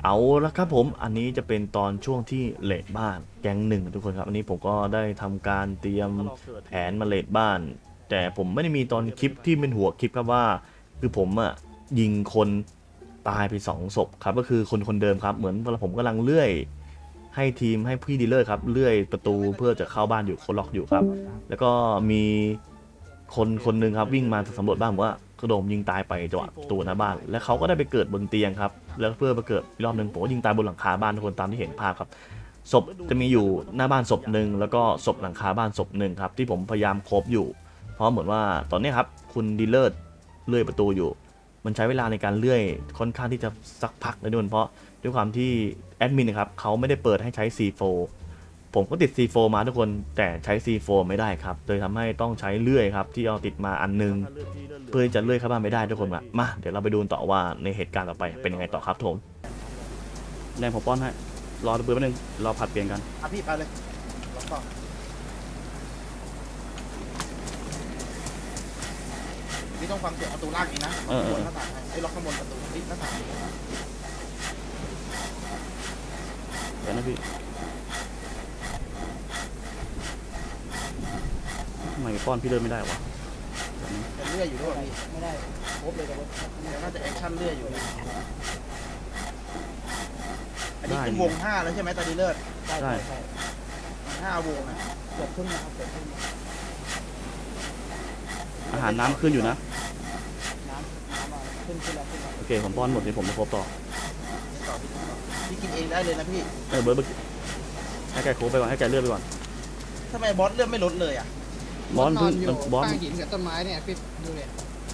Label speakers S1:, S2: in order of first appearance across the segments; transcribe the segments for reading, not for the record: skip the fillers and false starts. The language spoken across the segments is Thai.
S1: เอาละครับผมอันนี้จะเป็นตอนช่วงที่เลดบ้านแก๊งหนึ่งทุกคนครับอันนี้ผมก็ได้ทำการเตรียมแผนมาเลดบ้าน แต่ผมไม่ได้มีตอนคลิปที่เป็นหัวคลิปครับว่าคือผมอ่ะยิงคนตายไป2 ศพครับก็คือคนเดิมครับเหมือนผมกำลังเลื่อยให้ทีมให้พี่ดีลเลอร์ครับเลื่อยประตูเพื่อจะเข้าบ้านอยู่คนล็อกอยู่ครับแล้วก็มีคนหนึ่งครับวิ่งมาสำรวจบ้านผมว่ากระโดดยิงตายไปจังหวะประตูหน้าบ้านแล้วเขาก็ได้ไปเกิดบนเตียงครับแล้วเพื่อมาเกิดอีกรอบหนึ่งผมก็ยิงตายบนหลังคาบ้านทุกคนตามที่เห็นภาพครับศพจะมีอยู่หน้าบ้านศพหนึ่งแล้วก็ศพหลังคาบ้านศพหนึ่งครับที่ผมพยายามครบอยู่เพราะเหมือนว่าตอนนี้ครับคุณดีลเลอร์เลื่อยประตูอยู่มันใช้เวลาในการเลื่อยค่อนข้างที่จะสักพักเลยด้วยเพราะด้วยความที่แอดมินนะครับเขาไม่ได้เปิดให้ใช้ C4 ผมก็ติด C4 มาทุกคนแต่ใช้ C4 ไม่ได้ครับเลยทำให้ต้องใช้เลื่อยครับที่เอาติดมาอันนึงเพื่อจะเลื่อยเข้าบ้านไม่ได้ทุกคนมาเดี๋ยวเราไปดูต่อว่าในเหตุการณ์ต่อไปเป็นยังไงต่อครับผมแรงผมป้อนให้รอระเบิดแป๊บนึงรอผัดเปลี่ยนกัน
S2: พี่ไปเลยล็อกต่อพี่ต้องฟังเสียงประตูล่างอีกนะบนหน้าต่างไอ้ล็อกข้างบนประตูหน้าต่าง
S1: เดี๋ยวนะพี่ทำไมป้อนพี่เดินไม่ได้วะ
S2: เลื่อยอยู่ด้วยไม่ได้ครบเลยแต่น่าจะแอคชั่นเลื่อยอยู่อันนี้เป็นวง5แล้วใช่ไหมตาดีเลิศ
S1: ใช่
S2: 5 วงนะเกือบครึ่งนะครับเกือบครึ่ง
S1: อาหารน้ำขึ้นอยู่นะ
S2: น้ำขึ้นแล้ว
S1: โอเคผมป้อนหมดนี่ผมจะครบต่อ
S2: พี่กินเองได้เลยนะพี่
S1: เบิร์ดให้แกโค้งไปก่อนให้แกเลื่อนไปก่อน
S2: ทำไมบอสเลื่อนไม่ลดเลยอ่ะ
S1: บอสพึ่งบอส
S3: ข้างหินกับต้นไม้เนี่ยพี่ดูเนี่ย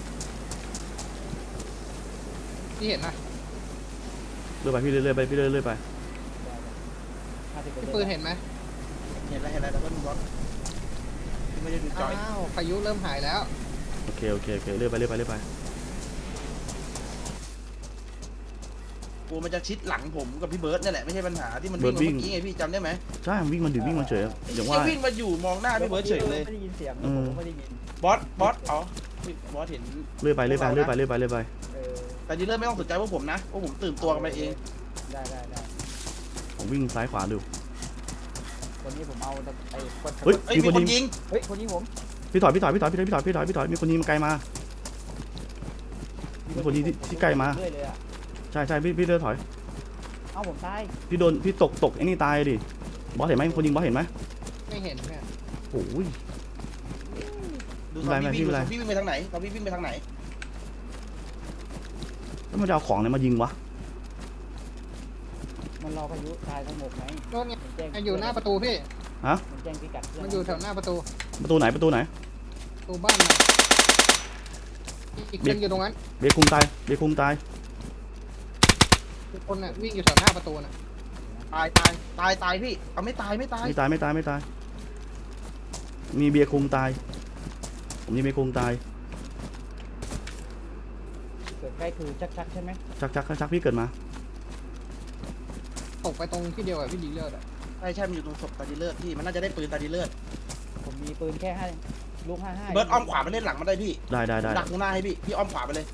S3: พี่เห็นนะ
S1: เลื่อนไปพี่เลื่อยไปพี่เลื่อยไป
S3: พี่ปืนเห็นไหม
S2: เห็นแล้วแล้วก็มีบอสไม่ได้ดูจอย
S3: พายุเริ่มหายแล้ว
S1: โอเคเลื่อยไป
S2: กูมันจะชิดหลังผมกับพี่เบิร์ดนี่แหละไม่ใช่ปัญหาที่มันวิ่งเมื่อกี้ไงพี่จำได้ไหม
S1: ใช่วิ่งมันเฉยอย่างว่า
S2: วิ่งมาอยู่มองหน้าพี่เบิร์ดเฉยเลย
S4: ไม่ได้ยินเสียงผมไม่ได้ยิน
S2: บอสอ๋อบอสเห็น
S1: เลื่อยไป
S2: แต่ดีเลอร์ไม่ต้องสนใจพวกผมนะพวกผมตื่นตัวกันไปเอง
S4: ได้
S1: ผมวิ่งซ้ายขวาดู
S4: วันนี้ผมเอาไอ้
S1: เฮ้ย
S2: มีคนยิง
S4: เฮ้ยคนยิงผม
S1: พี่ถอยมีคนยิงมาไกลมามีคนยิงที่ใกล้มาใช่พี่เดินถอย
S4: เอ้าผมตาย
S1: พี่ตกไอ้นี่ตายดิบอสเห็นไหมคนยิงบอสเห็นไหม
S3: ไม่เห็นเนี่ย
S1: โอ้ย
S2: ดูซอมบี้วิ่งไปทางไหนซอมบี้วิ่งไปทางไหน
S1: แล้วมันจะเอาของอะไรมายิงวะ
S4: มันรอพายุตายทั้งหมดไหม
S3: โน่นไงอยู่หน้าประตูพี่
S1: ฮะ
S4: มันแจ้งพิกัด
S3: มันอยู่แถวหน้าประตู
S1: ไหนประตูบ้าน
S3: นะอีกคนอยู่ตรงนั้น
S1: เบคุมตาย
S3: ทุกคนน่ะวิ่งอยู่แถวหน้าประตูน่ะ
S2: ตายพี่เอาไม่ตาย
S1: มีเบียร์คุมตายผมมีเบียร์คุมตาย
S4: เกิดใกล้คือชักใช่ไหม
S1: ชักพี่เกิดมา
S3: ตกไปตรงที่เดียวกับพี่ดีเลิศอ่ะ
S2: ใช่มันอยู่ตรงศพตาดีเลิศพี่มันน่าจะได้ปืนตาดีเลิศ
S4: ผมมีปืนแค่ลูก55
S2: เบิร์ดอ้อมขวาไปเล่นหลังมันได้พี่
S1: ได้
S2: ดักตรงหน้าให้พี่อ้อมขวาไปเลย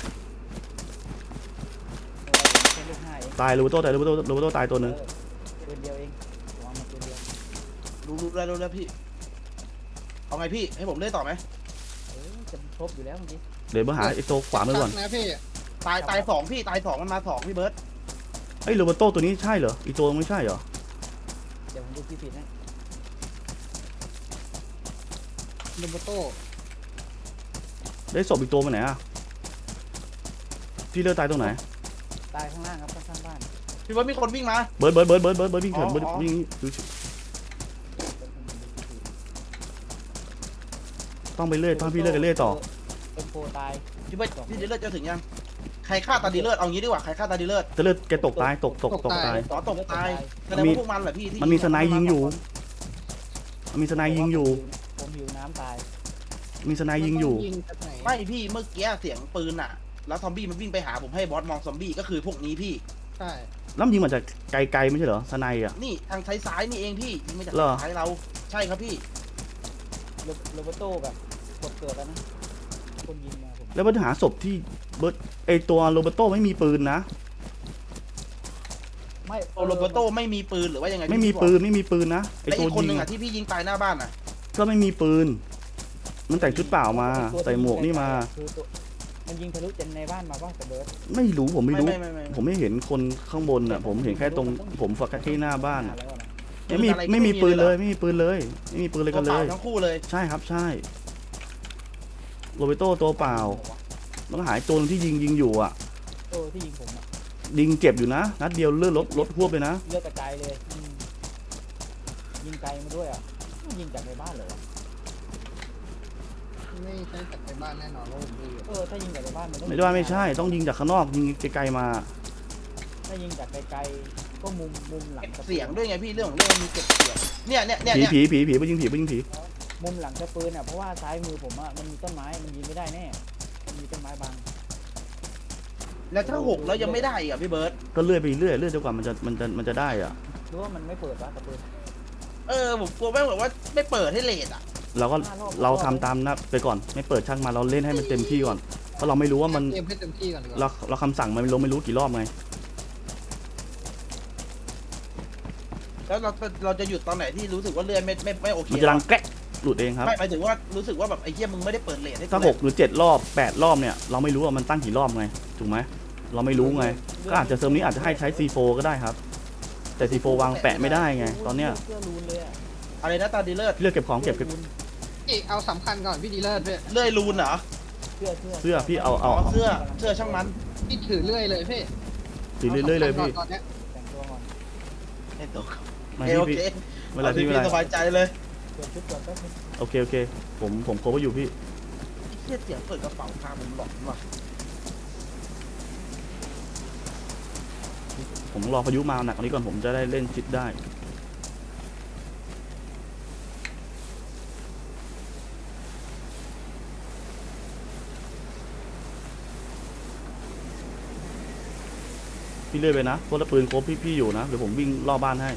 S1: ตายลูโต้ตายตัวนึง
S4: ปืนเดียวเองวางมาปืนเดียว
S2: รู้แล้วพี่เอาไงพี่ให้ผมเล่นต่อไหม
S4: จะครบอยู่แล้วเมื่อกี้
S1: เดี๋ยวมาหาไอ้ตัวขวามือก่อน
S3: นะพี่
S2: ตาย2พี่ตาย2มันมา2พี่เบิร์ด
S1: ไอ้โรเบโต้ตัวนี้ใช่เหรออีตัวไม่ใช่เหรอ
S4: เดี๋ยวผมดูผิดนะ
S3: โรเบโต้
S1: ได้ศพอีกตัวมาไหนอ่ะพี่เลือดตายตรงไหน
S4: ตายข้างล่างครับข้างบ้าน
S2: พี่เบิร์ดมีคนวิ่งมา
S1: เบิร์ดวิ่งเถิดวิ่งต้องไปเลื่อยพี่เลื่อยกันเลื่อยต่อ
S4: เป็นโปตาย
S2: พี่เบิร์ดพี่ดีเลิศจะถึงยังใครฆ่าตาดีเลิศเอางี้ดีกว่าใครฆ่าตาดีเลิศ
S1: จะเลือดแกตกตายตกตาย
S2: ตกตายแสดงว่าพวกมันแหละพี่
S1: มันมีสไนยิงอยู่ผม
S4: หิวน้ำตาย
S1: มีสไนยิงอยู่
S2: ไม่พี่เมื่อกี้เสียงปืนอ่ะแล้วซอมบี้มันวิ่งไปหาผมให้บอสมองซอมบี้ก็คือพวกนี้พี่
S3: ใช่
S1: แล้วยิงมาจากไกลไม่ใช่เหรอสไนอ่ะ
S2: นี่ทางซ้ายนี่เองพี่ยิงมาจากซ้ายเราใช่ครับพี่
S4: โรเบโต้แบบเกิดแล้วนะคนยิงมาผม
S1: แล้วมันหาศพที่เบิร์ดไอตัวโรเบโต้ไม่มีปืนนะ
S4: ไม่
S2: โรเบโต้ไม่มีปืนหรือว่ายังไง
S1: ไม่มีปืนนะไอ
S2: ไอ้
S1: ตัว
S2: อีกคน
S1: ยิ
S2: หนึ่
S1: ง
S2: งอ่ะที่พี่ยิงตายหน้าบ้านอ่ะ
S1: ก็ไม่มีปืน มันแต่งชุดเปล่ามาใส่หมวกนี่มา
S4: คือตัวมันยิงทะลุจนในบ้านมาป่ะแต่เบิร์ด
S1: ไม่รู้ผมไม่รู้
S2: ไม่
S1: ผมไม่เห็นคนข้างบนอ่ะผมเห็นแค่ตรงผมฝักแค่หน้าบ้านอะ
S4: แล้วนะ
S1: ไม่มีปืนเลยไม่มีปืนเลยไม่มีปืนเลยกันเล
S2: ตัวย เปล่าทั้งคู่เลย
S1: ใช่ครับใช่โรเบโต้ตัวเปล่าต้องหายตัวนึงที่ยิงอยู่อ่ะ
S4: ที่ยิงผมอะ
S1: ยิงเจ็บอยู่นะนัดเดียวเลือดลดหวบเลยนะ
S4: เลือดกระจายเลยยิงไกลมาด้วยอ่ะยิงจากในบ้านเลยวะ
S3: ไม่ใช่จากในบ้านแน่นอนว่าผมดูอยู่
S4: ถ้ายิงจากในบ้านมันต้อง
S1: ไม่ได้ว่าไม่ใช่ต้องยิงจากข้างนอกยิงไกลๆมา
S4: ถ้ายิงจากไกลๆก็มุมหลัง
S2: เก็บ
S4: กระ
S2: เสียงด้วยไงพี่เรื่องของเรื่องมีเก็บเสียงเนี่ย
S1: ผีไปยิงผี
S4: มุมหลังกระปืนอ่ะเพราะว่าซ้ายมือผมอ่ะมันมีต้นไม้มันยิงไม่ได้แน่มันมีต้นไม้บัง
S2: แล้วถ้าหกแล้วยังไม่ได้อีกอ่ะพี่เบิร์ต
S1: ก็เลื่อยไปเรื่อยจนกว่ามันจะได้อ่ะ
S4: หรือว่ามันไม่เปิดวะกระปืน
S2: ผมกลัวแม่งแบบว่าไม่เปิดให้เลทอ่ะ
S1: เราก็เราทำตามนะไปก่อนไม่เปิดช่างมาเราเล่นให้มันเต็มที่ก่อนเพราะเราไม่รู้ว่ามัน
S3: เตรียมให้เต็มที่ก่อนดีกว่า
S1: เราคำสั่งมันไม่รู้กี่รอบไง
S2: แล้วเราจะหยุดตอนไหนที่รู้สึกว่าเลื่อนไม่โอเค
S1: มันจะรังแกะหลุดเองครับ
S2: ไม่หมายถึงว่ารู้สึกว่าแบบไอ้เหี้ยมึงไม่ได้เปิดเลทให้กู
S1: ถ้า6หรือ7รอบ8รอบเนี่ยเราไม่รู้ว่ามันตั้งกี่รอบไงถูกไหมเราไม่รู้ไงก็อาจจะเซิร์ฟนี้อาจจะให้ใช้ C4 ก็ได้ครับแต่ C4 วางแปะไม่ได้ไงตอนเนี้ย
S4: เสื้อรูนเลยอ่ะ
S2: อะไรนะตาดีเลิศ
S1: เลือกเก็บของเก็บ
S3: พี่เอาสำคัญก่อนพี่ดีเลิศพี่
S2: เลื่อยรูนเหรอ
S1: เสื้อพี่เอา
S2: เสื้อช่างมัน
S3: พี่ถือเรื่อยเลยพี่
S1: ถือเรื่อยๆเลยพี่
S3: ตอนเนี้ย
S4: แต่งตัวก่อน
S2: ไอ้ตัว
S1: ไม่
S2: โอ
S1: พี่
S2: เค
S1: เวลาพี่เว
S2: พี่
S1: ลา
S2: สบายใจเลย
S4: เปลี่ยนชุดก่อนแป๊บนึง
S1: โอเคผมโคเวอร์อยู่พี่
S2: เหี้ยเสียงเปิดกระเป๋าพาผมหลอนว่ะ
S1: ผมรอพายุมาหนักกว่านี้ก่อนผมจะได้เล่นชิดได้พี่เลื่อยไปนะเพราะว่าปืนครบพี่อยู่นะเดี๋ยวผมวิ่งรอบบ้านให้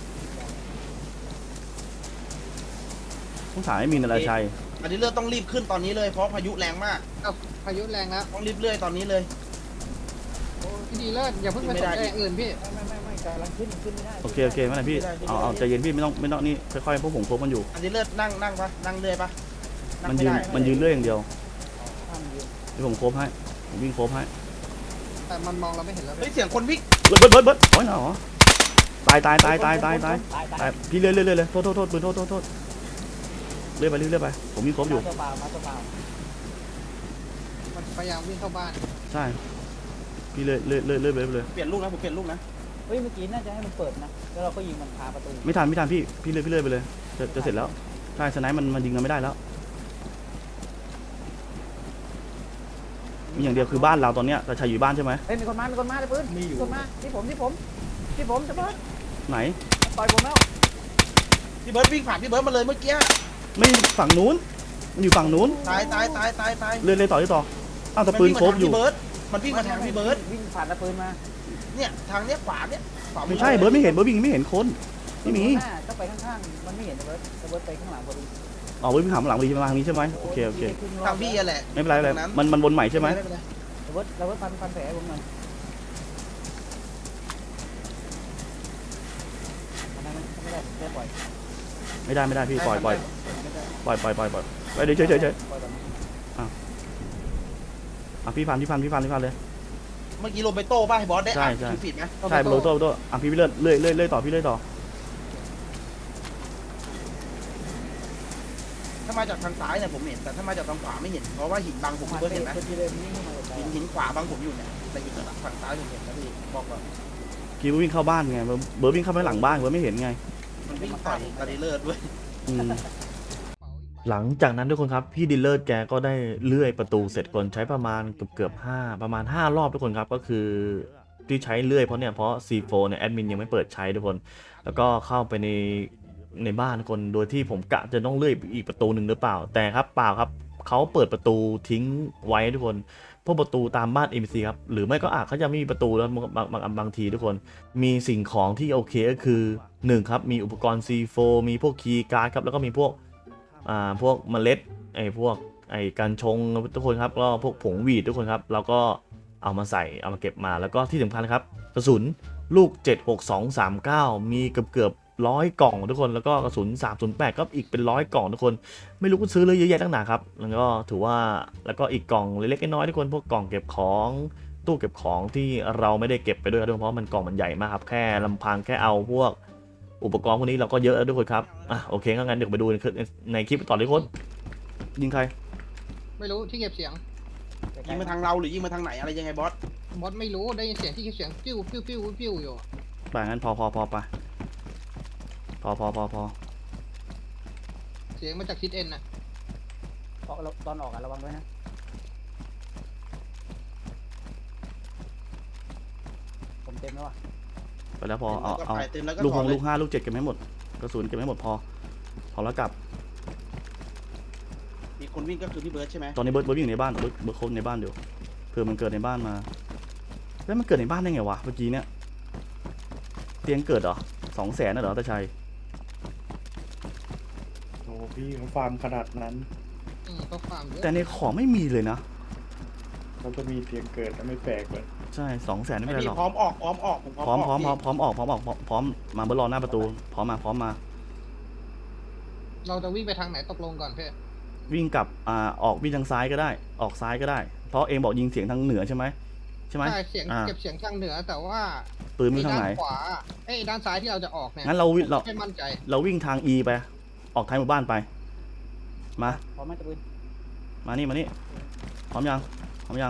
S1: ต้องถ่ายให้มีนอะไรชัย
S2: อันนี้เลือดต้องรีบขึ้นตอนนี้เลยเพราะพายุแรงมาก
S3: เอาพายุแรงแล้ว
S2: ต้องรีบเลื่อยตอนนี้เลย
S3: พี่ดีเลิศอย่าเพิ่งไปสนใจอย่างอื่นพี่
S4: ไม่กำลังขึ้นไม่ได้
S1: โอเคไม่เป็นไรพี่เอาใจเย็นพี่ไม่ต้องนี่ค่อยๆพวกผมครบมันอยู่
S2: อันนี้เลือดนั่งปะนั่งเลื่อยปะนั่ง
S1: มัน
S2: ไม่
S1: ยืน
S2: ได้
S1: มันยืนเรื่อยอย่างเดียว
S4: ห้ามยืน
S1: เดี๋ยวผมครบให้ผมวิ่งครบให้
S3: แต่มันมองเราไม่เห็นแล้ว
S2: เฮ้
S3: พี่
S2: ยเสียงคนวิ่ง
S1: เบิร์ดโอ้ยเหรอตายพี่เลื่อยเลยโทษปืนโทษเลื่อยไปผมวิ่งครบอยู่
S4: ตัวเปล่ามาตัวเปล่า
S3: มันพยายามวิ่งเข้าบ้าน
S1: ใช่พี่เลื่อยไปเลย
S2: เปลี่ยนลูกนะผมเปลี่ยนลูกนะ
S4: เฮ้ยเมื่อกี้น่าจะให้มันเปิดนะแล้วเราก็ยิงมันคาประตู
S1: ไม่ทันพี่เลื่อยไปเลยจะเสร็จแล้วใช่สไนป์มันยิงกันไม่ได้แล้วมีอย่างเดียวคือบ้านเราตอนเนี้ยแต่ชายอยู่บ้านใช่ไหม
S4: เฮ้ยมีคนมาเลยปืนมีคนมาที่ผมจะเบิร์ด
S1: ไหน
S4: ต่อยผมแล้ว
S2: พี่เบิร์ดวิ่งผ่านพี่เบิร์ดมาเลยเมื่อกี้
S1: ไม่ฝั่งนู้นมันอยู่ฝั่งนู้น
S2: ตาย
S1: เลื่อยต่ออ้าวแต่ปืนครบอยู่
S2: มันวิ่งมาทางพี่เบิร์ด
S4: วิ่งผ่านตะปืนมา
S2: เนี่ยทางเนี้ยขวาเนี่ยขวา
S1: ไม่ใช่เบิร์ดไม่เห็นเบิร์ดวิ่งไม่เห็นคนไม่มี
S4: ก็ไปข้างๆมันไม่เห็นเบิร์ดไปข้างหลังพอดี
S1: อ๋อเบิร์ดวิ่งหาหลังพอดีมาทางนี้ใช่ไหมโอเค
S2: ทางพี่แหละ
S1: ไม่เป็นไรมันวนใหม่ใช่ไหม
S4: เบิร์ดฟันแผลผมหน่อยไม่ได้ปล่อย
S1: ไม่ได้พี่ปล่อยไปเดี๋ยวเฉยอ่ะพี่พันเลย
S2: เมื่อกี้โรเบโต้ป่ะให้บอสได้อ่าน
S1: ใช่
S2: คิวฟีดไหม
S1: ใช่โรโต้อ่ะพี่เลื่อยต่อพี่เลื่อยต่อ
S2: ถ้ามาจากทางซ้ายเนี่ยผมเห็นแต่ถ้ามาจากทางขวาไม่เห็นเพราะว่าหินบังผมพี่เบิร์ดเห็นไหมหินขวาบังผมอยู่เนี่ยแต่หินฝั่งซ้ายผมเห็นนะพี่บอกก่อน
S1: คิววิ่งเข้าบ้านไงเบิร์ดวิ่งเข้าไปหลังบ้านเบิร์ดไม่เห็นไง
S2: มันวิ่งต่อยตาดีเลิศด้วย
S1: หลังจากนั้นทุกคนครับพี่ดีลเลอร์แกก็ได้เลื่อยประตูเสร็จก่อนใช้ประมาณเกือบ5 รอบทุกคนครับก็คือที่ใช้เลื่อยเพราะ C4 เนี่ยแอดมินยังไม่เปิดใช้ทุกคนแล้วก็เข้าไปในบ้านทุกคนโดยที่ผมกะจะต้องเลื่อยอีกประตูหนึ่งหรือเปล่าแต่ครับเปล่าครับเขาเปิดประตูทิ้งไว้ทุกคนพวกประตูตามบ้าน NPC ครับหรือไม่ก็เขาจะไม่มีประตูแล้วบางทีทุกคนมีสิ่งของที่โอเคก็คือ1ครับมีอุปกรณ์ C4 มีพวกคีย์การ์ดครับแล้วก็มีพวกเมล็ดพวกการชงทุกคนครับก็พวกผงหวีดทุกคนครับเราก็เอามาใส่เอามาเก็บมาแล้วก็ที่สำคัญครับกระสุนลูก 76239 มีเกือบ100 กล่องทุกคนแล้วก็กระสุน308ก็อีกเป็น100 กล่องทุกคนไม่รู้ก็ซื้อเลยเยอะแยะตั้งหนาครับแล้วก็ถือว่าแล้วก็อีกกล่องเล็กๆน้อยๆทุกคนพวกกล่องเก็บของตู้เก็บของที่เราไม่ได้เก็บไปด้วยครับเพราะมันกล่องมันใหญ่มากครับแค่ลำพังแค่เอาพวกอุปกรณ์พวกนี้เราก็เยอะแล้วทุกคนครับโอเคงั้นเดี๋ยวไปดูในคลิปต่อเลยทุกคนยิงใคร
S3: ไม่รู้ที่เก็บเสียง
S2: ยิงมาทางเราหรือยิงมาทางไหนอะไรยังไงบอส
S3: บอสไม่รู้ได้ยินเสียงที่เก็บเสียงปิ้วปิ้วปิ้วปิ้วอยู่
S1: ไปงั้นพอไปพอ
S3: เสียงมาจากทิศเอ็นนะ
S4: ตอนออกอะระวังด้วยนะผมเต็มแล้วอ่ะ
S1: ไปแล้วพอเอา
S2: ก็ไปเต็มแล้วก็
S1: ลูก
S2: ถ
S1: ห
S2: อน
S1: ก
S2: เล
S1: ลู
S2: ย
S1: ก5ลูก7เก็บไม่หมดกระสุนเก็บไม่หมดพอแล้วกลับ
S2: มีคนวิ่งก็คือพี่เบิร์ดใช่ไหม
S1: ตอนนี้เบิร์ดวิ่งอยู่ในบ้านเบิร์ดโคบในบ้านอยู่เผื่อมันเกิดในบ้านมาแล้วมันเกิดในบ้านได้ไงวะเมื่อกี้เนี่ยเตียงเกิดเหรอ200,000น่ะเหรอตาชัย
S5: โอ้พี่เขาฟาร์มขนาดนั้น
S3: ก็ฟาร์มเยอะ
S1: แต่ในของไม่มีเลยนะ
S5: เขาจะมีเสียงเกิดแล้วไม่แปลกเลย
S1: ใช่200,000ไม่เป็นไร
S2: พี่
S1: หรอก
S2: พร้อมออกผม
S1: พร้อม
S2: ออกพี่
S1: พร้อมออกพร้อมมาเบิร์ดรอหน้าประตูพร้อมมา
S3: เราจะวิ่งไปทางไหนตกลงก่อนเพ่
S1: วิ่งกลับออกวิ่งทางซ้ายก็ได้ออกซ้ายก็ได้เพราะเองบอกยิงเสียงทางเหนือใช่ไหม
S3: ใช่เสียงเก็บเสียงทางเหนือแต่ว่า
S1: ปืนมันทางไหน
S3: ด้านขวาด้านซ้ายที่เราจะออกเนี่ย
S1: งั้นเรา
S3: ไม่มั่นใจ
S1: วิ่งทาง E ไปออกท้ายหมู่บ้านไปมา
S4: พร้อมไหมตะปืน
S1: มานี่พร้อมยัง พร้อมยัง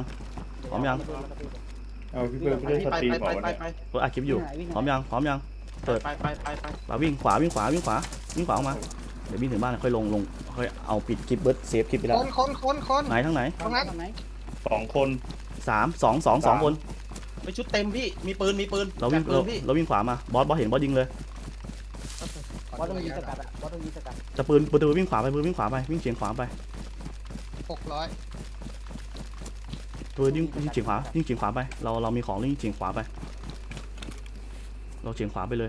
S5: เอาพี่เบิร์ดไม่ได้สตรีมบอกว่าเนี่ย
S1: เปิดอัดคลิปอยู่พร้อมยังเปิด
S2: ไป
S1: มาวิ่งขวาออกมาเดี๋ยววิ่งถึงบ้านค่อยลงค่อยเอาปิดคลิปเบิร์ดเซฟคลิปไปแล้ว
S3: คน
S1: ไหนทั้งไหน
S3: ตรงนั้น
S4: ไหน
S5: 2 คน
S1: 2 คน
S2: ไปชุดเต็มพี่มีปืน
S1: เราวิ่ง
S2: จับปืนพี่
S1: เราวิ่งขวามาบอสเห็นบอสยิงเลย
S4: บอสต้องยิงสกัดอ่ะบอสต้องยิงสกัด
S1: จะปืนวิ่งขวาไปวิ่งเฉียงขวาไป
S3: 600
S1: ปืนยิงเฉียงขวาไปเรามีของยิงเฉียงขวาไปเราเฉียงขวาไปเลย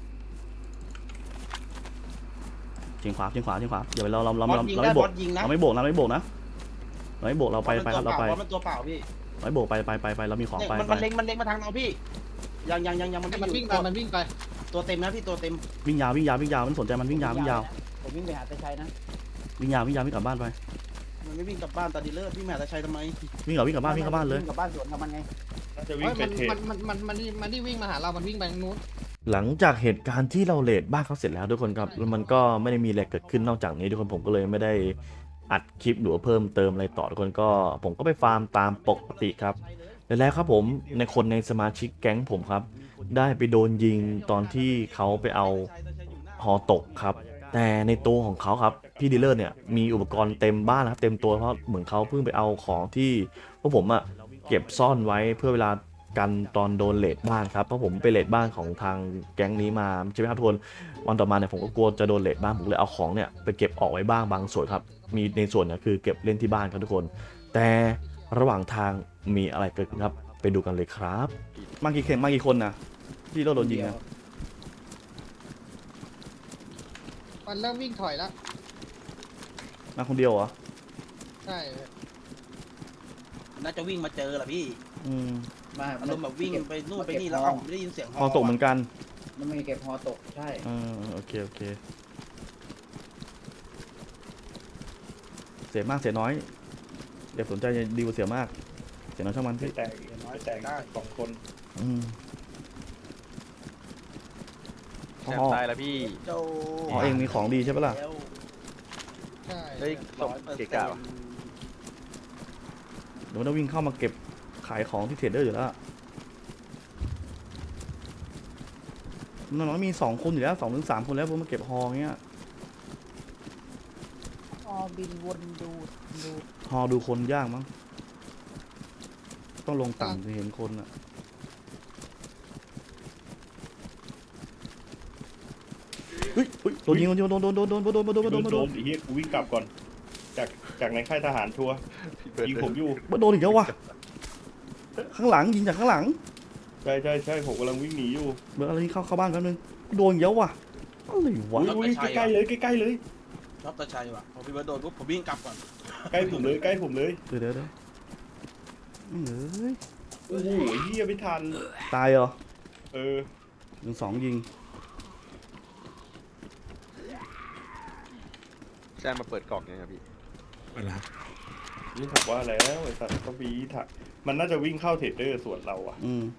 S1: เฉียงขวาเดี๋ยวเรา
S2: บอสยิง
S1: ไม่
S2: ได้
S1: โบบ ก
S2: อสยิงนะ
S1: เราไม่โบกนะเราไปครับเราไป
S2: บอสมันตัวเปล่าพี่
S1: ไม่โบกไปเรามีของ
S2: เนี่ย
S1: ไป
S2: มันเล็งมาทางเราพี่ยังมัน
S3: มันวิ่งไป
S2: ตัวเต็มนะพี่ตัวเต็ม
S1: วิ่งยาวไม่สนใจมันวิ่งยาว
S4: ผมวิ่งไปหาตะชัยนะ
S1: วิ่งยาววิ่งกลับบ้านไป
S2: มันไม่วิ่งกลับบ้านตาดีเลิศพี่แม่ตาชัยทำไม
S1: วิ่งกลับบ้านเลย
S4: วิ่งกลับบ้านสวนกับมันไง
S5: น่าจะวิ่งไปเทรด
S3: มันที่วิ่งมาหาเรามันวิ่งไปทางนู้น
S1: หลังจากเหตุการณ์ที่เราเลดบ้านเขาเสร็จแล้วทุกคนครับแล้วมันก็ไม่ได้มีอะไรเกิดขึ้นนอกจากนี้ทุกคนผมก็เลยไม่ได้อัดคลิปหรือว่าเพิ่มเติมอะไรต่อทุกคนก็ผมก็ไปฟาร์มตามปกติครับแล้วครับผมในคนในสมาชิกแก๊งผมครับได้ไปโดนยิงตอนที่เขาไปเอาหอตกครับแต่ในตัวของเขาครับพี่ดีลเลอร์เนี่ยมีอุปกรณ์เต็มบ้านนะครับเต็มตัวเพราะเหมือนเขาเพิ่งไปเอาของที่พวกผมอะเก็บซ่อนไว้เพื่อเวลากันตอนโดนเลดบ้านครับเพราะผมไปเลดบ้านของทางแก๊งนี้มาใช่ไหมครับทุกคนวันต่อมาเนี่ยผมก็กลัวจะโดนเลดบ้านผมเลยเอาของเนี่ยไปเก็บออกไว้บ้างบางส่วนครับมีในส่วนเนี่ยคือเก็บเล่นที่บ้านครับทุกคนแต่ระหว่างทางมีอะไรเกิดขึ้นครับไปดูกันเลยครับมากี่คนนะที่โดนยิงนะ
S3: มันเริ่มวิ่งถอยแล้ว
S1: มาคนเดียวเหรอ
S3: ใช่
S2: น่าจะวิ่งมาเจอแหละพี่
S1: อืม
S2: อารมณ์แบบวิ่งไปนู่นไปนี่แล้วเอ้าไม่ได้ยินเสียง
S1: พอตกเหมือนกัน
S4: มันมีเก็บฮอตกใช่
S1: โอเคเสียมากเสียน้อยเดี๋ยวสนใจดีกว่าเสียมากเสียน้อยช่างมัน
S5: ไม่แตกได้2 คน
S1: อืม
S6: แชมป์ตายแล้วพี่
S2: เจ้า
S1: อ๋อเองมีของดีใช่ปะล่ะ
S3: ใช่
S6: เฮ้ยส่งเกะกะวะ
S1: เดี๋ยวมันต้องวิ่งเข้ามาเก็บขายของที่เทรดเดอร์อยู่แล้วน้องๆมี2 คนอยู่แล้ว2 ถึง 3 คนแล้วพวกมาเก็บฮอเงี้ย
S4: บินวนดู
S1: ฮอดูคนยากมั้งต้องลงต่ำจะเห็นคนอ่ะเฮ้ยโดนยิงโดน
S5: โดนไอ้เหี้ยกูวิ่งกลับก่อนจากในค่ายทหารชัวร์ยิงผมอยู่
S1: โดนอีกแล้ววะข้างหลังยิงจากข้างหลัง
S5: ใช่ผมกำลังวิ่งหนีอยู่
S1: เบอร์อะไรที่เข้าบ้านแป๊บนึงโดนเยอะว่ะอะไรวะ
S5: อุ้ยใกล้ๆเลย
S2: ชอบตาชัยว่ะพอพี่เบิร์ดโดนปุ๊บผมวิ่งกลับก่อน
S5: ใกล้ผมเลย
S1: เดี๋ยวเฮ้ย
S5: โอ้โหเหี้ยไม่ทัน
S1: ตายเหรอ
S5: เ
S7: 12ยิง
S6: แซมมาเปิดกล่องยังครับพี่
S3: เวลา
S5: นี่ผมว่าแล้วไอ้สัตว์ก็วีถักมันน่าจะวิ่งเข้าเทรดเดอร์ส่วนเราอะ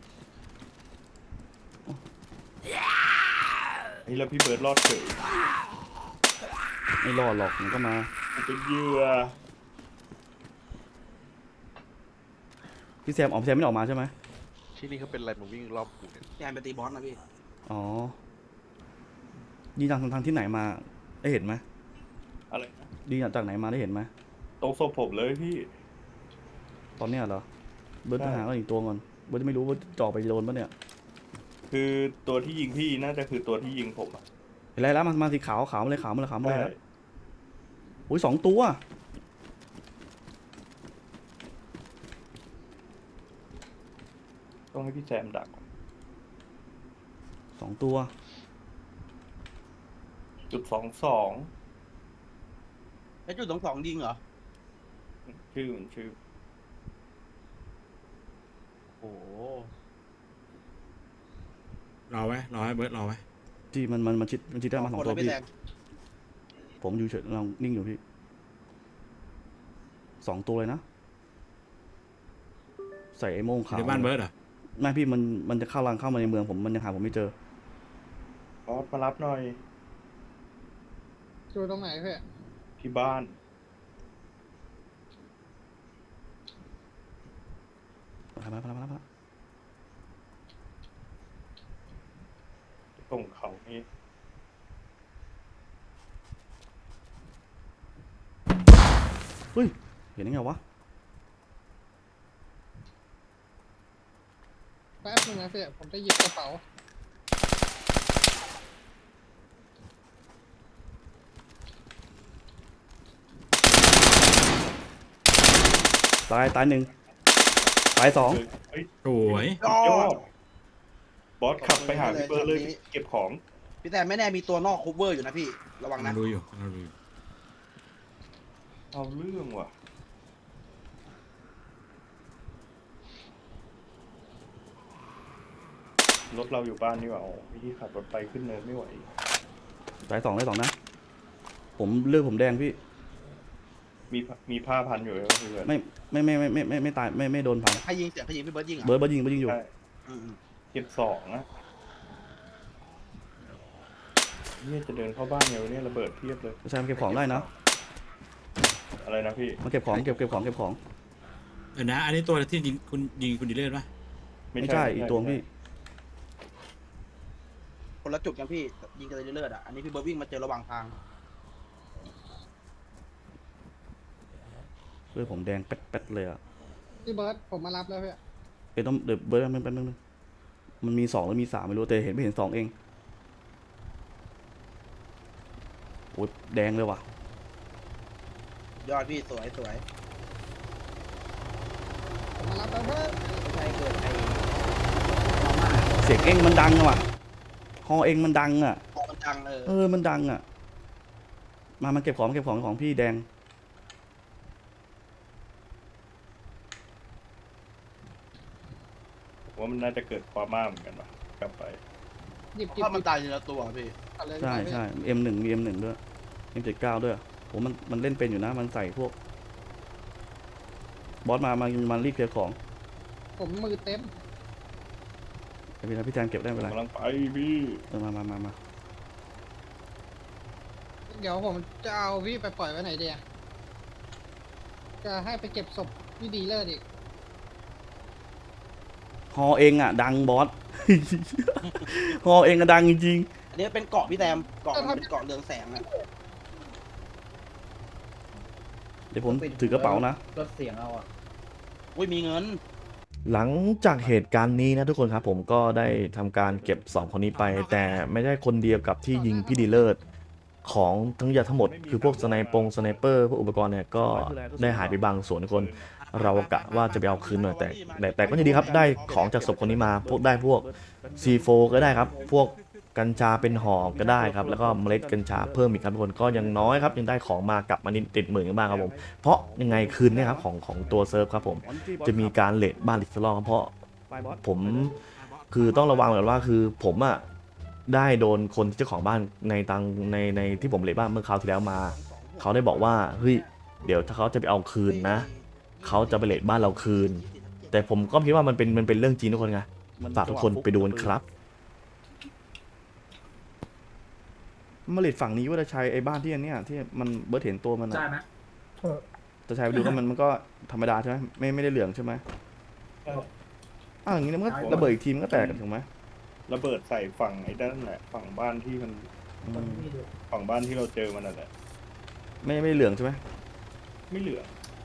S5: ไอ้แล้วพี่เบิร์ดรอดเฉย
S7: ไม่รอดหรอกมันก็มา
S5: ผมเป็นเหยื่อ
S7: พี่แซมแซมไม่ออกมาใช่ไหม
S6: ที่นี่เขาเป็นอะไรมาวิ่งรอบกูเนี่ย
S2: แกนไปตีบอสนะพี่
S7: อ๋อยิงทางที่ไหนมาได้เห็นไหม
S5: อะไรนะ
S7: ยิงจากไหนมาได้เห็นไหม
S5: ตรงศพผมเลยพี่
S7: ตอนเนี้ยเหรอเบิร์ด
S5: ใช่
S7: ทหารก็อีกตัวก่อนเบิร์ดไม่รู้ว่าจ่อไปโดนปะเนี่ย
S5: คือตัวที่ยิงพี่น่าจะคือตัวที่ยิงผมอะ
S7: เห็นไรแล้วมาสีขาวมาเลยขาวมาเลย
S5: ใช่
S7: แล้วโอ้ย2 ตัว
S5: ต้องให้พี่แซมดัก
S7: 2 ตัว
S5: .22
S2: แล้วจุด22ยิงเหรอ
S5: ชื่อมันชื่อ
S2: โอ้โห
S3: รอไว้เบิร์ดรอไว้
S7: ที่มันชิดได้มา 2 ตัว
S2: พี่
S7: พี่
S2: แซม
S7: ผมอยู่เฉยเรานิ่งอยู่พี่2 ตัวเลยนะ ใส่ไอ้โม่ง
S3: อยู่
S7: ขาว
S3: ในบ้านเบิร์ดเหรอ
S7: ไม่พี่มันจะเข้ามาในเมืองผมมันยังหาผมไม่เจอบ
S5: อสมารับหน่อย
S8: อยู่ตรงไหนพี่
S5: ที่บ้าน
S7: มา
S5: ตรงเขานี่
S7: เห็นได้ไงวะ
S8: แป๊บนึงนะพี่ผมจะหยิบกระเป๋า
S7: ตาย1ตาย2
S5: เฮ้ย
S3: สวย
S5: ยอดบอสขับไปหาพี่เบิร์ดเลยเก็บของ
S2: พี่แซมไม่แน่มีตัวนอกคูเวอร์อยู่นะพี่ระวัง
S3: เรา
S2: นะ
S3: ดูอยู่เราดูอยู่
S5: เอาเรื่องว่ะรถเราอยู่บ้านนี่หว่าอ๋อพี่ขับรถไปขึ้นเนินไม่ไหว
S7: ตาย2นะผมเลือดผมแดงพี่
S5: มีผ้าพันอยู่เลยพี่เบิร์ด
S7: ไม่ตายไม่โดนเผา
S2: ใครยิงเสียงใครยิงพี่เบิร์ดยิงเหรอ
S7: เบิร์ดยิงอยู่
S5: ใช่
S2: อืม
S5: เก็บ2นะเนี่ยจะเดินเข้าบ้านไงวะเนี่ยระเบิดเทียบเลย
S7: ใช่มาเก็บของได้นะ
S5: อะไรนะพี่
S7: มาเก็บของเก็บของ
S3: นะอันนี้ตัวที่ยิงคุณดีเลอร์ป่ะ
S7: ไม่ใช่อีกตัวพี่
S2: คนละจุดกันพี่ยิงกันเลยเลือดอ่ะอันนี้พี่เบิร์ดวิ่งมาเจอระหว่างทาง
S7: เลือดผมแดงแป๊ดเลยอ่ะ
S8: พี่เบิร์ดผมมารับแล้วพี่
S7: เดี๋ยวเบิร์ดมันมี2หรือมี3ไม่รู้แต่ไม่เห็น2เองโอ้ยแดงเลยว่ะ
S2: ยอดพี่สวย
S8: ผมมารับแล้วเพื่อน
S2: ใช่เกิดไอ้
S7: เสียงเองมันดังอะว่ะฮอเองมันดังอ่ะ
S2: ของมันดัง
S7: มันดังอ่ะมาเก็บของพี่แดง
S5: ผมว่ามันน่าจะเกิดความม่าเหมือนกันว่ะกลับไป
S8: หยิบ
S2: ถ้ามันตายทีละตัวพี่
S8: เอาเลย
S7: ใช่
S8: พี่
S7: ใช่ M1 มี M1 ด้วย M79 ด้วยผมมันเล่นเป็นอยู่นะมันใส่พวกบอสมารีบเคลียร์ของ
S8: ผมมือเต็ม
S7: พี่แทนเก็บได้ไม่เป็นไร
S5: กำลังไปพี่
S7: มา
S8: เดี๋ยวผมจะเอาพี่ไปปล่อยไว้ไหนเดียจะให้ไปเก็บศพพี่ดีเลอร์อีก
S7: ฮอเองอ่ะดังบอส ฮอเองก็ดังจริง
S2: อันนี้เป็นเกาะพี่แซมเกาะมันเป็นเกาะเรืองแสงอ่ะ
S7: เดี๋ยวผมถือกระเป๋านะ
S4: ลดเสียงเอาอ่ะ
S2: อุ้ยมีเงิน
S1: หลังจากเหตุการณ์นี้นะทุกคนครับผมก็ได้ทำการเก็บ2คนนี้ไป แต่ไม่ได้คนเดียวกับที่ยิงพี่ดีเลิศของทั้งยาทั้งหมดคือพวกสไนเปอร์พวกอุปกรณ์เนี่ยก็ได้หายไปบางส่วนทุกคนเรากะว่าจะไปเอาคืนหน่อยแต่ก็ยังดีครับได้ของจากศพคนนี้มาพวกC4 ก็ได้ครับพวกกัญชาเป็นห่อก็ได้ครับแล้วก็เมล็ดกัญชาเพิ่มอีกครับทุกคนก็ยังน้อยครับยังได้ของมากลับมานิดติดหมื่นกันบ้างครับผมเพราะยังไงคืนเนี่ยครับของตัวเซิร์ฟครับผมจะมีการเลทบ้านอีกสักรอบครับเพราะผมคือต้องระวังก่อนว่าคือผมอะได้โดนคนเจ้าของบ้านในที่ผมเลทบ้านเมื่อคราวที่แล้วมา เขาได้บอกว่าเฮ้ยเดี๋ยวถ้าเขาจะไปเอาคืนนะเขาจะไปเลทบ้านเราคืน แต่ผมก็คิดว่ามันเป็นเรื่องจริงทุกคนไงฝากทุกคนไปดูกันครับ
S7: มาเลดฝั่งนี้ว่าจะใช้ไอ้บ้านที่อันเนี้ยที่มันเบิร์ดเห็นตัวมัน
S3: ใช่
S7: อะ
S3: ไหม
S7: จะใช้ไปดูก็มันก็ธรรมดาใช่ไหมไม่ได้เหลืองใช่ไหมอ้าวอย่างนี้มันก็ระเบิดอีกทีมันก็แตกกันถูกไหม
S5: ระเบิดใส่ฝั่งไอ้ด้านแหละฝั่งบ้านที่มัน
S7: อืม
S5: ฝั่งบ้านที่เราเจอมันนั่นแหละ
S7: ไม่เหลืองใช่ไหม
S5: ไม่เหลือ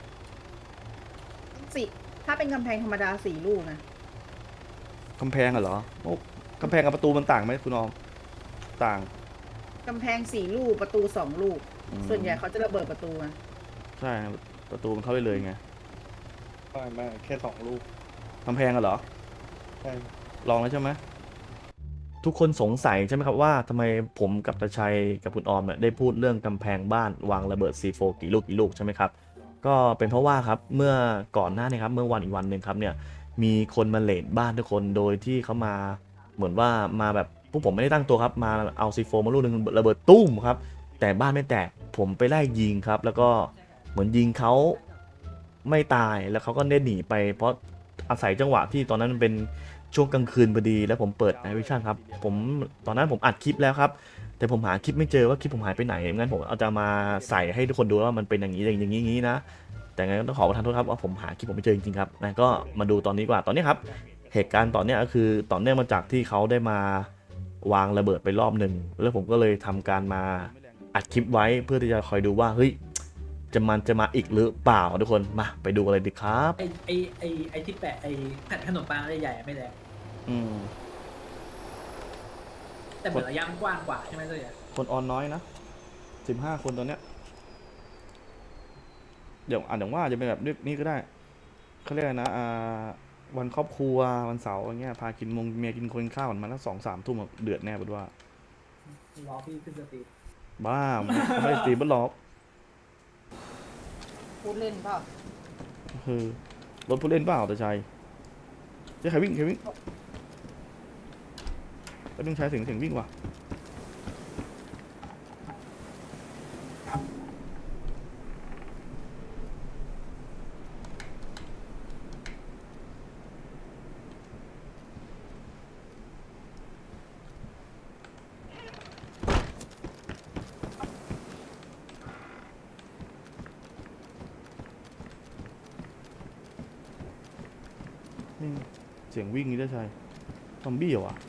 S3: สี่ถ้าเป็นกำแพงธรรมดา4 ลูกนะ
S7: กำแพงอะเหรอโอ้กำแพงกับประตูมันต่างไหมคุณออมต่าง
S3: กำแพง4 ลูกประตู2 ลูก
S7: อืม
S3: ส่วนใหญ่เขาจะระเบิดประตูนะ
S7: ใช่ประตูมันเข้าไปเลยไง
S5: ไม่แค่2 ลูก
S7: กำแพงอะเหรอ
S5: ใช่
S7: ลองแล้วใช่ไหม
S1: ทุกคนสงสัยใช่ไหมครับว่าทำไมผมกับตาชัยกับคุณออมเนี่ยได้พูดเรื่องกำแพงบ้านวางระเบิด C4 กี่ลูกใช่ไหมครับก็เป็นเพราะว่าครับเมื่อก่อนหน้านี้ครับเมื่อวันอีกวันหนึ่งครับเนี่ยมีคนมาเลทบ้านทุกคนโดยที่เขามาเหมือนว่ามาแบบพวกผมไม่ได้ตั้งตัวครับมาเอา C4 มาลูกหนึงระเบิดตุ้มครับแต่บ้านไม่แตกผมไปไล่ยิงครับแล้วก็เหมือนยิงเขาไม่ตายแล้วเขาก็ได้หนีไปเพราะอาศัยจังหวะที่ตอนนั้นมันเป็นช่วงกลางคืนพอดีแล้วผมเปิดไอวิชั่นครับผมตอนนั้นผมอัดคลิปแล้วครับแต่ผมหาคลิปไม่เจอว่าคลิปผมหายไปไหนงั้นผมเอาจะมาใส่ให้ทุกคนดูว่ามันเป็นอย่างนี้อย่างนี้นะแต่งั้นต้องขอประทานโทษครับว่าผมหาคลิปผมไม่เจอจริงๆครับนะก็มาดูตอนนี้กว่าตอนนี้ครับเหตุการณ์ตอนนี้ก็คือต่อเนื่องมาจากที่เขาได้มาวางระเบิดไปรอบหนึ่งแล้วผมก็เลยทำการมาอัดคลิปไว้เพื่อที่จะคอยดูว่าเฮ้ยจะมาอีกหรือเปล่าทุกคนมาไปดูกันเลยดีครับ
S9: ไอ้ที่แปะไอ้แผ่นขนมปังใหญ่ๆไม่แรง
S7: อืม
S9: แต่เหมือนระยะมันกว้างกว่าใช่ไหมเจ๊
S7: คนออนน้อยนะ15 คนตอนเนี้ยเดี๋ยวอ่านอย่างว่าจะเป็นแบบนี้ก็ได้เขาเรียกอะไรนะวันครอบครัววันเสาร์อย่างเงี้ยพากินเมียกินคนข้าวกันมาแล้ว2-3 ทุ่มเดือดแน่บุดว่าร
S9: อพี่ขึ้นสตรีม
S7: บ้าไม่ได้ตีบล็อก
S3: พูดเล่นเปล่า
S7: คือรถผู้เล่นเปล่าแต่ชัยใครวิ่งแล้วต้องใช้เสียงวิ่งว่ะนี่เสียงวิ่งนี่ได้ชัยซอมบี้เหรอวะ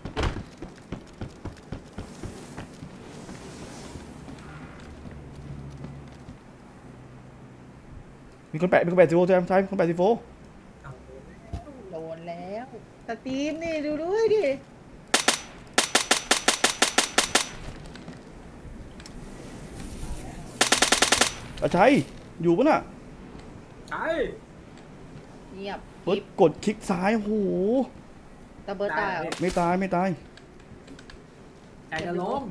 S7: มีคนแปะซีโฟใช่ไหมใช่คนแปะซีโฟ
S3: โดนแล้วสตรีมนี่ดูด้วยดิ
S7: อาชัยอยู่ปะน่ะ
S9: ใช่
S3: เงียบ
S7: เบิร์ดกดคลิกซ้ายโอ้โห
S3: ตะเบิร์ดตายเหรอ
S7: ไม่ตาย
S9: ใจจะล้ม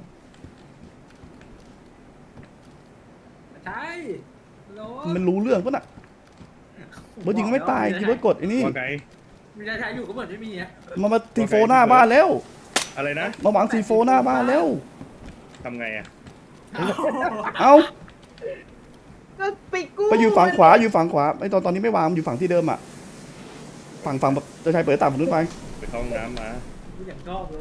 S9: ใช่ล้ม
S7: มันรู้เรื่องปะน่ะเบิร์ดยิงไม่ตายที่เบิร์ดกดไอ้นี่
S5: ว่าไง
S9: มีใจใช้อยู่ก็เหมือนไม่มีอะ
S7: มาซีโฟหน้าบ้านแล้ว
S5: อะไรนะ
S7: มาหวังซีโฟหน้าบ้านแล้ว
S5: ทำไงอะ
S7: เอ้า
S3: ก็ไปกู้
S7: ไปอยู่ฝั่งขวาไอ้ตอนนี้ไม่วางอยู่ฝั่งที่เดิมอ่ะฝั่งแบบจะใช้เปิดต่างฝั่งนู้นไป
S5: ไปเข้าห้องน้ำมา
S9: กูอย่างชอบเลย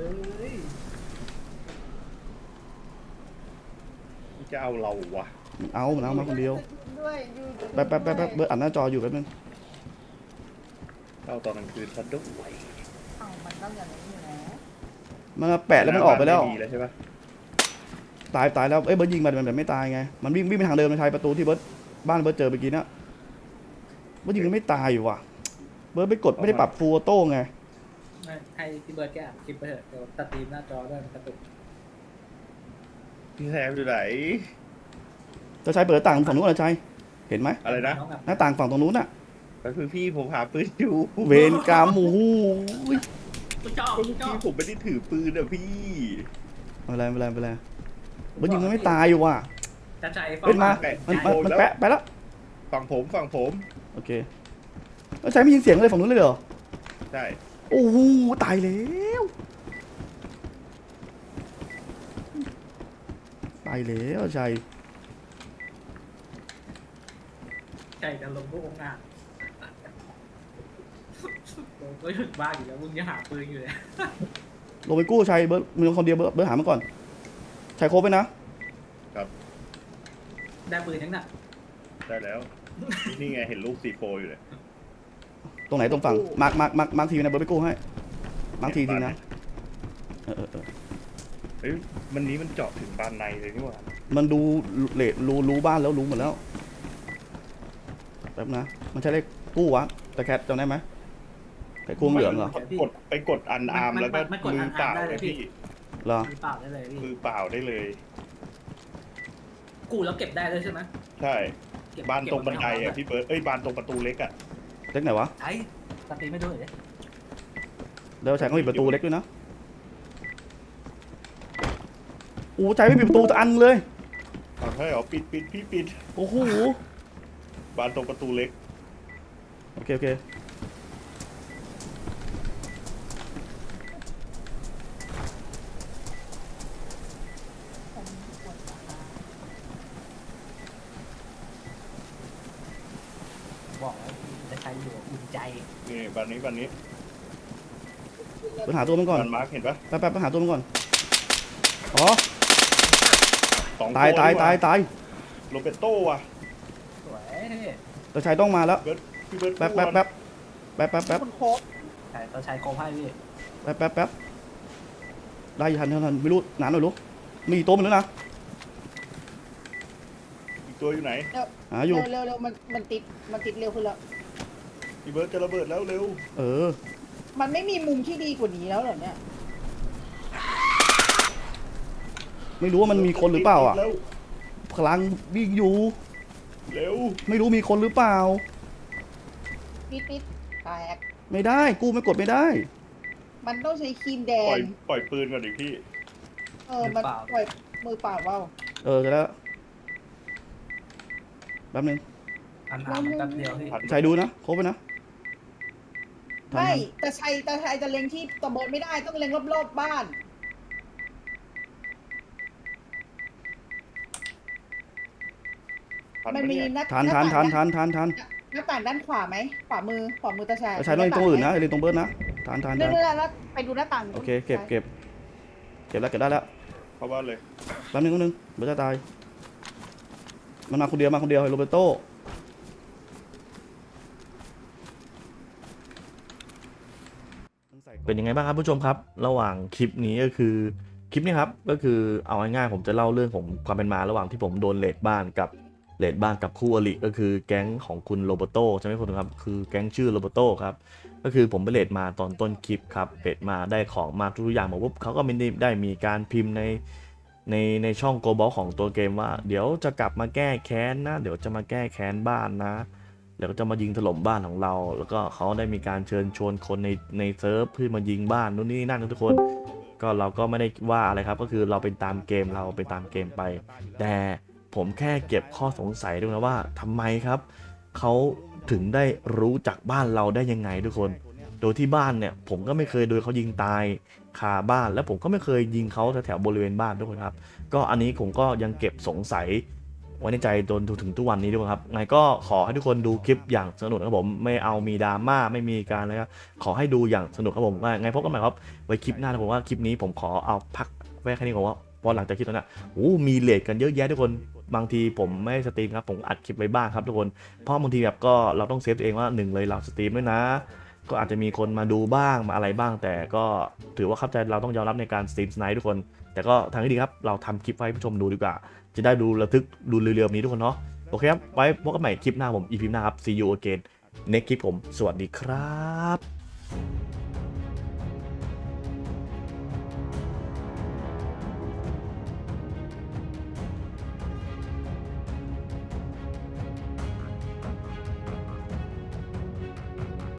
S5: จะเอาเราวะ
S7: เอามาคนเดียว
S3: ด้วยอยู่
S7: แป๊บเบิร์ดอัดหน้าจออยู่แป๊บนึง
S5: เอาตอนกลางคืนซัดด้วย
S3: เอ้ามันต้องอย่างนี้อยู่แล้ว
S7: มันมาแปะแล้วมันออกไปแล้ว
S5: ม่มีแล้วใช่ปะ
S7: ตายแล้วเอ้ยเบิร์ดยิงมันแบบไม่ตายไงมันวิ่งไปทางเดิมมันใช้ประตูที่เบิร์ดบ้านเบิร์ดเจอเมื่อกี้นะเบิร์ดยิงมันไม่ตายอยู่ว่ะเบิร์ดไปกดไม่ได้ปรับฟูลออโต้ไง
S9: ให้พี่เบิร์ดแกอ่านคลิปไปเถอะเดี๋ยวตัดตีมหน้าจอด้วยมันกระตุก
S5: พี่แซมอยู่ไหน
S7: จะใช้เปิดต่างฝั่งนู้นนะชัยเห็นไหม
S5: อะไรนะ
S9: น้องแบบ
S7: หน้าต่างฝั่งตรงนู้นน่ะ
S5: ก็คือพี่ผมหาปืนอยู่
S7: เวรกรรมโอ้โห
S9: กูชอบ
S5: ก็
S9: กู
S5: ลูก
S9: ชอบ
S5: พี่ผมไม่ได้ถือปืนอะพี่
S7: ไม่เป็นไรเบิร์ดยิงมันไม่ตายอยู่ว่ะ
S9: จะใจ
S7: เป็นมา
S5: แปะ
S7: มันแปะไปแล้ว
S5: ฝั่งผม
S7: โอเคแล้วใช้ไม่ยินเสียงเลยฝั่งนู้นเลยเหรอ
S5: ใช่
S7: โอ้โหตายแล้วตายแล้วชัย
S9: ใจจะลงพวกองค์อาจผมก็หยุดบ้าอยู่แล้วมึงยังหาปืนอยู่เลย
S7: ลงไปกู้ชัยเบิร์ดมึงคนเดียวเบิร์ดหามาก่อนชัยโครบไปนะ
S9: ได้ปืนยังน่ะ
S5: ได้แล้ว นี่ไงเห็นลูก C4 อยู่เลย
S7: ตรงไหนตรงฝั่งมาร์คทีนะเบิร์ดไปกู้ให้มาร์คทีนะเออ
S5: เฮ้ยมันนี้มันเจาะถึงบานในเลยนี่หว่า
S7: มันดูเลทรู้บ้านแล้วรู้หมดแล้วแป๊บนะมันใช้เลขกู้วะแต่แคทจำได้ไหมไอ้กู้เหลืองเหรอ
S5: ไปกดอันอาร์มแล้วก็มือเปล่าเลยพี่
S7: เหรอ
S9: มีเปล่าได้เลยพี่
S5: มือเปล่าได้เลย
S9: กูแล้วเก็บได้เลยใช่ไหม
S5: ใช่
S9: เก็บ
S5: บานตรงบันได
S9: เก็
S5: อ่ะ
S9: บ
S5: พี่เบิร์ดบานตรงประตูเล็กอ่ะ
S7: เล็กไหนวะ
S9: ไอ้สตรีไม่ดูเลย
S7: แล้วชัยก็มีประตูเล็กด้วยนะโอ้ชัยไม่มีประตูจะอันเลย
S5: เอาให้เหรอปิดพี่ปิด
S7: โอ้โห
S5: บานตรงประตูเล็ก
S7: โอเค
S9: บอกแล้วจะใช้อยู่อุ่นใจ
S5: นี่บานนี้
S7: ไปหาตัวมันก่อน
S5: บานมาร์คเห็นปะ
S7: แป๊บไปหาตัวมันก่อนอ๋อ
S5: สอง
S7: ตาย
S5: ตัวนี่หว่ โรเบโต้ว่ะ
S9: สวย
S7: แต่ชัยต้องมาแล้ว
S5: พี่เบิร์ด
S7: แป๊บ
S3: มันโครบ
S9: ใช่ตัวใช้โคมให้พี่
S7: แป๊บได้ทันไม่รู้นานหน่อยรู้มีอีกตัวมันแล้วนะ
S5: อีกตัวอยู่ไหน
S7: หาอยู่
S3: เร็วมันติดเร็วขึ้นแล้ว
S5: พี่เบิร์ดจะระเบิดแล้วเร็ว
S7: เออ
S3: มันไม่มีมุมที่ดีกว่านี้แล้วเหรอเนี่ย
S7: ไม่รู้ว่ามันมีคนหรือเปล่าอ่ะ
S5: แล้ว
S7: พลังวิ่งอยู่
S5: เร็ว
S7: ไม่รู้มีคนหรือเปล่า
S3: ปิดแตก
S7: ไม่ได้กู้ไม่กดไม่ได้
S3: มันต้องใช้ครีมแด
S5: ปล่อย
S3: ง
S5: ปืนก่อนดิพี่
S3: มันปล่อยมือเปล่าเปล่า
S7: เออจะแล้วแป๊บนึง
S9: อันน้ำมันแป๊บเดียวพี่
S7: ชัยดูนะครบไปนะทัน
S3: ไม่
S7: ทัน
S3: แต่ชัยจะเล็งที่ตะบนไม่ได้ต้องเล็งรอบๆบ้าน
S5: ทัน
S3: มัน
S5: ปะ
S3: มี
S5: เนี่ย
S3: หน้า
S7: ทัน
S3: หน้า
S7: ทัน
S3: ต่าง
S7: ทันทันทัน
S3: หน้าต่างด้านขวาไหมขวามือตาชัย
S7: ชัยต้องเล่นตรงอื่นนะเล่นตรงเบิร์ดนะทัน
S3: เรื่อยๆแล้วไปดูหน้าต่าง
S7: โอเคเก็บแล้วเก็บได้แล้ว
S5: เข้าบ้านเลย
S7: แป๊บนึงเบิร์ดจะตายมันมาคนเดียวไอ้โรเบโต้
S1: เป็นยังไงบ้างครับผู้ชมครับ ระหว่างคลิปนี้ก็คือคลิปนี้ครับก็คือเอาง่ายๆผมจะเล่าเรื่องของความเป็นมาระหว่างที่ผมโดนเลดบ้านกับคู่อริก็คือแก๊งของคุณโรเบโต้ใช่ไหมคุณครับคือแก๊งชื่อโรเบโต้ครับก็คือผมไปเลดมาตอนต้นคลิปครับเลดมาได้ของมาทุกอย่างมาปุ๊บเขาก็ไม่ได้มีการพิมพ์ในช่องโกลบอลของตัวเกมว่าเดี๋ยวจะกลับมาแก้แค้นนะเดี๋ยวจะมาแก้แค้นบ้านนะเดี๋ยวก็จะมายิงถล่มบ้านของเราแล้วก็เขาได้มีการเชิญชวนคนในเซิร์ฟเพื่อมายิงบ้านนู่นนี่นั่นทุกคนก็เราก็ไม่ได้ว่าอะไรครับก็คือเราเป็นตามเกมไปแต่ผมแค่เก็บข้อสงสัยด้วยนะว่าทำไมครับเขาถึงได้รู้จักบ้านเราได้ยังไงทุกคนโดยที่บ้านเนี่ยผมก็ไม่เคยโดนเขายิงตายคาบ้านแล้วผมก็ไม่เคยยิงเขาแถวบริเวณบ้านทุกคนครับก็อันนี้ผมก็ยังเก็บสงสัยไว้ในใจจนถึงทุกวันนี้ด้วยครับไงก็ขอให้ทุกคนดูคลิปอย่างสนุกครับผมไม่เอามีดราม่าไม่มีการอะไรครับขอให้ดูอย่างสนุกครับผมไงพบกันใหม่ครับไว้คลิปหน้านะผมว่าคลิปนี้ผมขอเอาพักไว้แค่นี้ก่อนว่าพอหลังจากคลิปนั้นมีเลทกันเยอะแยะทุกคนบางทีผมไม่สตรีมครับผมอัดคลิปไว้บ้างครับทุกคนเพราะบางทีแบบก็เราต้องเซฟตัวเองว่าหนึ่งเลยเราสตรีมด้วยนะก็อาจจะมีคนมาดูบ้างมาอะไรบ้าง แต่ก็ถือว่าเข้าใจเราต้องยอมรับในการสตรีมสไนท์ทุกคนแต่ก็ทางที่ดีครับเราทำคลิปไว้ให้ผู้ชมดูดีกว่าจะได้ดูระทึกดูเร็วๆนี้ทุกคนเนาะโอเคครับไว้พบกันใหม่คลิปหน้าผม EP หน้าครับ see you again next คลิปผมสวัสดีครับ